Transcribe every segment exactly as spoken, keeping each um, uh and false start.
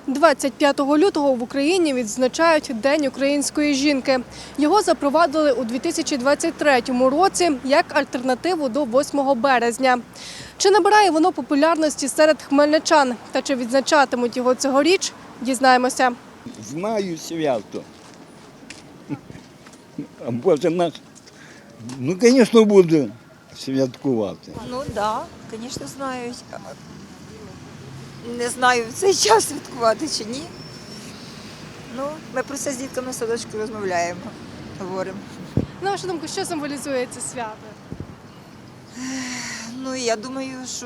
двадцять п'ятого лютого в Україні відзначають День української жінки. Його запровадили у дві тисячі двадцять третьому році як альтернативу до восьмого березня. Чи набирає воно популярності серед хмельничан та чи відзначатимуть його цьогоріч, дізнаємося. Знаю свято. А Боже наш, ну, звісно, буду святкувати. Ну так, да, звісно, знають. Не знаю, в цей час святкувати чи ні. Ну, ми про це з дітками в садочку розмовляємо, говоримо. На вашу думку, що символізує це свято? Ну, я думаю, що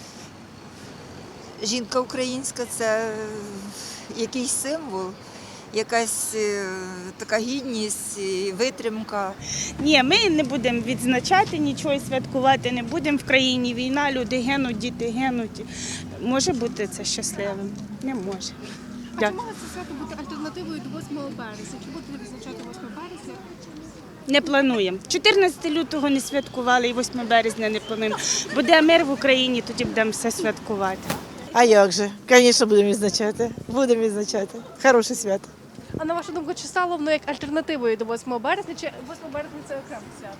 жінка українська – це якийсь символ, якась е, така гідність, і витримка. Ні, ми не будемо відзначати нічого, святкувати не будемо. В країні війна, люди гинуть, діти гинуть. Може бути це щасливим? Не може. А чи може це свято бути альтернативою до восьмого березня? Чи будете відзначати восьмого березня? Не плануємо. чотирнадцятого лютого не святкували і восьмого березня не плануємо. Буде мир в Україні, тоді будемо все святкувати. А як же? Звісно, будемо відзначати. Будемо відзначати. Хороше свято. А на вашу думку, чи стало воно як альтернативою до восьмого березня, чи восьмого березня це окреме свято?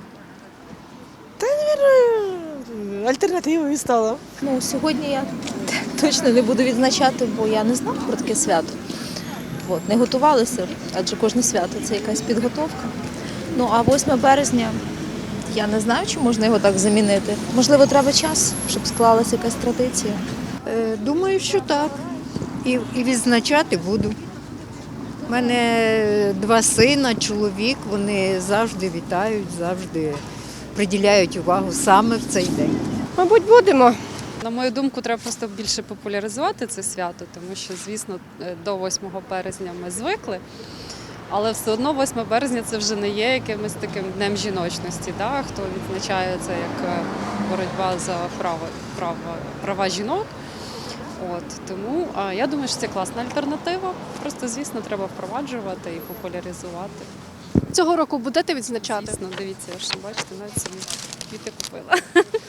Альтернативою стало. Ну, сьогодні я точно не буду відзначати, бо я не знала про таке свято. От, не готувалася, адже кожне свято це якась підготовка. Ну, а восьме березня, я не знаю, чи можна його так замінити. Можливо, треба час, щоб склалася якась традиція. Е, Думаю, що так. І, і відзначати буду. У мене два сина, чоловік, вони завжди вітають, завжди приділяють увагу саме в цей день. Мабуть, будемо. На мою думку, треба просто більше популяризувати це свято, тому що, звісно, до восьмого березня ми звикли, але все одно восьме березня це вже не є якимось таким днем жіночності, да? Хто відзначає це як боротьба за право, право, права жінок. От, тому а, я думаю, що це класна альтернатива. Просто, звісно, треба впроваджувати і популяризувати. Цього року будете відзначати? Звісно, дивіться, я ж бачите, навіть собі квіти купила.